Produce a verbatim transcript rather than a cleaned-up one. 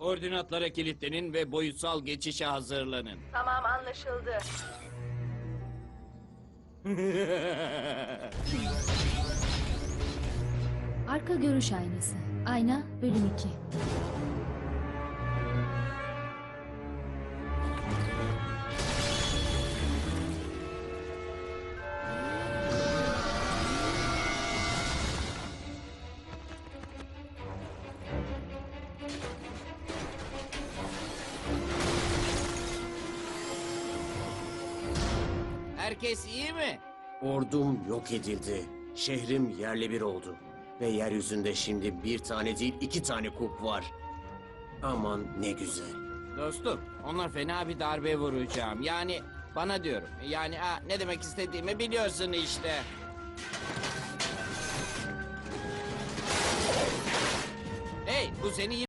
Koordinatlara kilitlenin ve boyutsal geçişe hazırlanın. Tamam, anlaşıldı. Arka görüş aynası. Ayna bölüm iki. Herkes iyi mi? Ordum yok edildi. Şehrim yerle bir oldu. Ve yeryüzünde şimdi bir tane değil iki tane kup var. Aman ne güzel. Dostum, ona fena bir darbe vuracağım. Yani bana diyorum. Yani ha, ne demek istediğimi biliyorsun işte. Hey, bu seni